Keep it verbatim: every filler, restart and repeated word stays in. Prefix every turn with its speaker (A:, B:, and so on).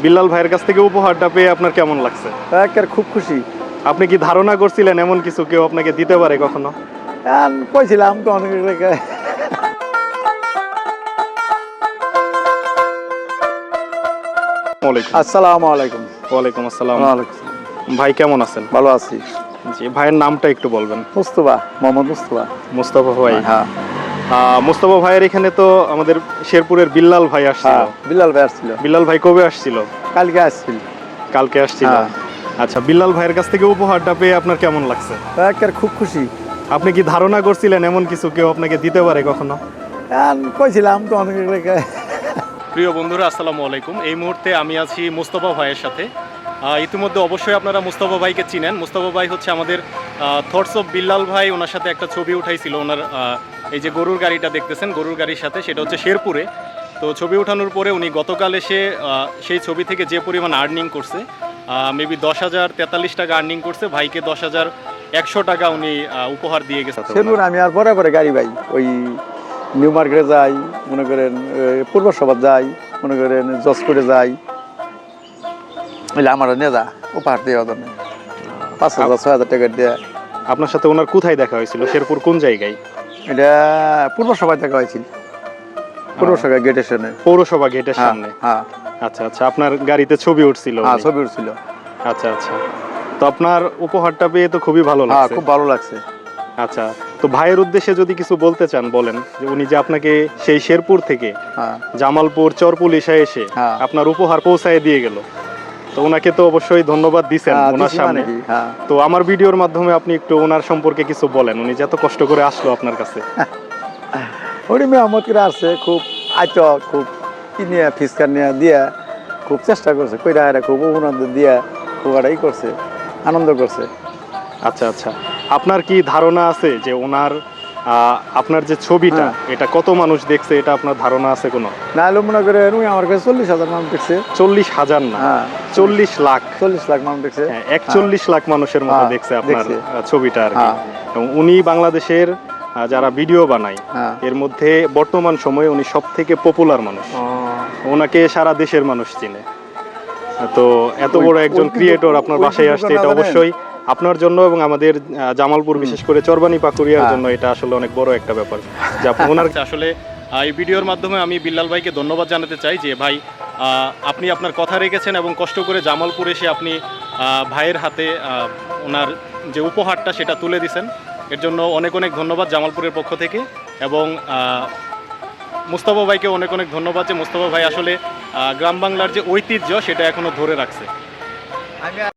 A: বিল্লাল ভাইয়ের কাছ থেকে উপহারটা পেয়ে আপনার কেমন লাগছে?
B: একের খুব খুশি।
A: আপনি কি ধারণা করছিলেন এমন কিছু কেউ আপনাকে দিতে পারে কখনো?
B: এখন কইছিলাম তো অনেক জায়গায়।
A: ওয়ালাইকুম
B: আসসালামু আলাইকুম।
A: ওয়ালাইকুম আসসালাম।
B: ওয়ালাইকুম।
A: ভাই কেমন আছেন?
B: ভালো আছি।
A: জি, ভাইয়ের নামটা একটু বলবেন।
B: মুস্তফা, মোহাম্মদ মুস্তফা।
A: মুস্তাফা ভাই।
B: হ্যাঁ
A: আহ, মুস্তাফা ভাইয়ের এখানে তো আমাদের শেরপুরের বিল্লাল ভাই আসছিল।
B: হ্যাঁ, বিল্লাল ভাই আসছিল।
A: বিল্লাল ভাই কবে আসছিল?
B: কালকে আসছিল।
A: কালকে আসছিল।
B: হ্যাঁ।
A: আচ্ছা, বিল্লাল ভাইয়ের কাছ থেকে উপহারটা পেয়ে আপনার কেমন লাগছে?
B: একের খুব খুশি।
A: আপনি কি ধারণা করছিলেন এমন কিছু কেউ আপনাকে দিতে পারে কখনো?
B: এখন কইছিলাম তো অনেক জায়গায়।
A: প্রিয় বন্ধুরা, আসসালামু আলাইকুম। এই মুহূর্তে আমি আছি মুস্তাফা ভাইয়ের সাথে। আহ, ইতিমধ্যে অবশ্যই আপনারা মুস্তাফা ভাইকে চিনেন। মুস্তাফা ভাই হচ্ছে আমাদের থটস অফ বিল্লাল ভাই, ওনার সাথে একটা ছবি উঠাইছিল। ওনার আহ, এই যে গরুর গাড়িটা দেখতেছেন, গরুর গাড়ির সাথে, সেটা হচ্ছে শেরপুরে। তো ছবি ওঠানোর পরে উনি গতকাল এসে আহ, সেই ছবি থেকে যে পরিমাণ আর্নিং করছে, মেবি দশ হাজার তেতাল্লিশ টাকা আর্নিং করছে। ভাইকে দশ হাজার একশো টাকা উনি আহ, উপহার দিয়ে গেছে।
B: সেলুন আমি আর পরে পরে গাড়ি ভাই ওই নিউ মার্কেটে যাই, মনে করেন পূর্ব সভা যাই, মনে করেন জজকোটে যাই, আমার নেতা উপহার দিয়ে ওদের পাঁচ হাজার ছয় হাজার টাকা দিয়ে।
A: আপনার সাথে ওনার কোথায় দেখা হয়েছিল? শেরপুর কোন জায়গায়?
B: এটা পূর্ব সভায় দেখা হয়েছিল, পৌরসভা গেটের সামনে।
A: পৌরসভা গেটের সামনে।
B: হ্যাঁ
A: আচ্ছা আচ্ছা, আপনার গাড়িতে ছবি উঠছিল?
B: হ্যাঁ,
A: উনি?
B: ছবি উঠছিল।
A: আচ্ছা আচ্ছা, তো আপনার উপহারটা পেয়ে তো খুবই ভালো
B: হ্যাঁ,
A: লাগছে।
B: খুব ভালো লাগছে।
A: আচ্ছা, তো ভাইয়ের উদ্দেশ্যে যদি কিছু বলতে চান বলেন, যে উনি যে আপনাকে সেই শেরপুর থেকে
B: হ্যাঁ
A: জামালপুর চরপুলিশা এসে
B: হ্যাঁ।
A: আপনার উপহার পৌঁছায় দিয়ে গেল, তো ওনাকে তো অবশ্যই ধন্যবাদ দিছেন
B: হ্যাঁ,
A: ওনার
B: দিছি
A: সামনে।
B: মানে কি, হ্যাঁ।
A: তো আমার ভিডিওর মাধ্যমে আপনি একটু ওনার সম্পর্কে কিছু বলেন, উনি যে এত কষ্ট করে আসলো আপনার কাছে।
B: উনি মেহমত করে আসছে, খুব আইত, খুব কি নিয়ে ফিসকার নিয়ে দিয়া খুব চেষ্টা করছে, কইরা এরা খুব আনন্দ দিয়া খুব এটাই করছে, আনন্দ করছে।
A: আচ্ছা আচ্ছা, আপনার কি ধারণা আছে যে ওনার আহ, আপনার যে ছবিটা,
B: হ্যাঁ।
A: এটা কত মানুষ দেখছে, এটা আপনার ধারণা আছে কোনো?
B: না হলে মনে করে উনি আমার কাছে চল্লিশ হাজার মানুষ দেখছে।
A: চল্লিশ হাজার না,
B: হ্যাঁ,
A: চল্লিশ লাখ।
B: চল্লিশ লাখ মানুষ দেখছে।
A: হ্যাঁ, একচল্লিশ লাখ মানুষের মতো
B: হ্যাঁ,
A: দেখছে আপনার
B: দেখছে।
A: আহ, ছবিটা আর কি।
B: হ্যাঁ।
A: এবং উনি বাংলাদেশের আহ, যারা ভিডিও বানায়
B: হ্যাঁ।
A: এর মধ্যে বর্তমান সময়ে উনি সব থেকে পপুলার মানুষ।
B: ও,
A: ওনাকে সারা দেশের মানুষ চিনে। তো এত
B: ওই-
A: বড় একজন
B: ওই
A: ক্রিয়েটর
B: কিন্তু-
A: আপনার
B: ওই
A: বাসায়
B: কিন্তু
A: আসছে,
B: না
A: এটা
B: জানেন?
A: অবশ্যই আপনার জন্য এবং আমাদের আহ, জামালপুর, বিশেষ করে চরবানি পাকুড়িয়ার
B: হ্যাঁ।
A: জন্য এটা আসলে অনেক বড় একটা ব্যাপার যে আপনি ওনার আসলে আহ, এই ভিডিওর মাধ্যমে আমি বিল্লাল ভাইকে ধন্যবাদ জানাতে চাই যে ভাই, আহ, আপনি আপনার কথা রেখেছেন এবং কষ্ট করে জামালপুর এসে আপনি আহ, ভাইয়ের হাতে আহ, ওনার যে উপহারটা সেটা তুলে দিছেন। এর জন্য অনেক অনেক ধন্যবাদ জামালপুরের পক্ষ থেকে। এবং আহ, মুস্তাফা ভাইকে অনেক অনেক ধন্যবাদ যে মুস্তাফা ভাই আসলে আহ, গ্রাম বাংলার যে ঐতিহ্য সেটা এখনো ধরে রাখছে।